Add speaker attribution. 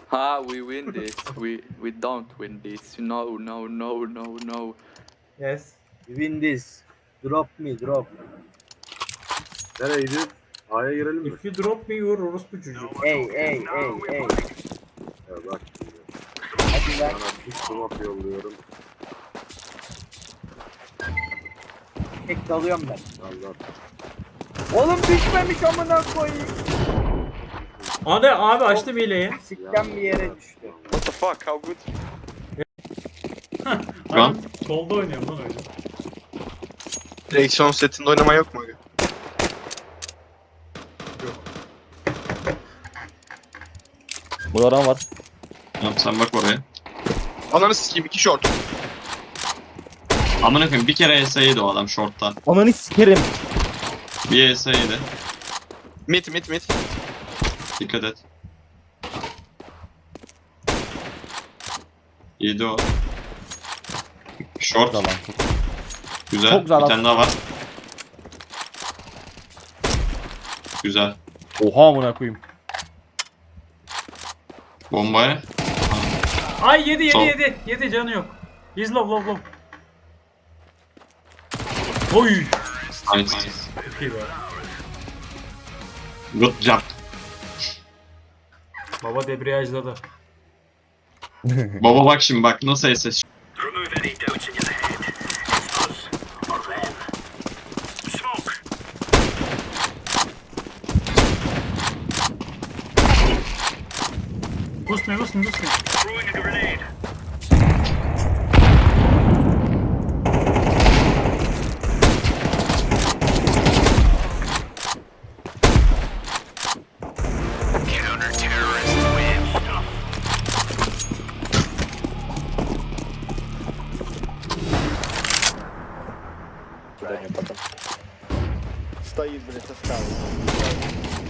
Speaker 1: We win this. We don't win this. No, no, no, no, no.
Speaker 2: Yes.
Speaker 3: Win this. Drop me, drop.
Speaker 4: Nereye gidiyoruz? A'ya girelim mi?
Speaker 2: If you drop me you orospu çocuğu.
Speaker 3: Ey, ey, ey, ey.
Speaker 4: Ya bak şimdi.
Speaker 3: Hadi lan.
Speaker 4: Sana bir swap yolluyorum.
Speaker 3: Tek dalıyorum ben.
Speaker 4: Allah.
Speaker 3: Oğlum düşmemiş amına koyayım.
Speaker 2: Hadi abi açtım hileyi.
Speaker 3: Sikten bir yere düştü.
Speaker 1: What the fuck? How good?
Speaker 2: Lan. Solda oynuyorum lan öyle.
Speaker 5: Direksiyon setinde oynama yok mu?
Speaker 6: Bu adam var.
Speaker 7: Tamam sen bak oraya.
Speaker 5: Ananı sikeyim 2 short.
Speaker 7: Amına koyayım bir kere ESA'ydı o adam short'ta.
Speaker 6: Ananı sikerim.
Speaker 7: Bir ESA'ydı.
Speaker 5: Mid.
Speaker 7: Dikkat et. Yedi o. Short.
Speaker 6: Çok güzel lan.
Speaker 7: Güzel.
Speaker 6: Çok güzel
Speaker 7: Bir
Speaker 6: lan.
Speaker 7: tane daha var. Güzel.
Speaker 6: Oha amına koyayım.
Speaker 7: Bombaya.
Speaker 2: Ay yedi
Speaker 7: Sol.
Speaker 2: yedi canı yok. He's low. Oy.
Speaker 7: Nice.
Speaker 2: Çok iyi be.
Speaker 7: Good job.
Speaker 2: Baba debriyajladı.
Speaker 7: Baba bak şimdi bak nasıl SS.
Speaker 2: Boost me.
Speaker 8: Стоит, блядь, со скалы.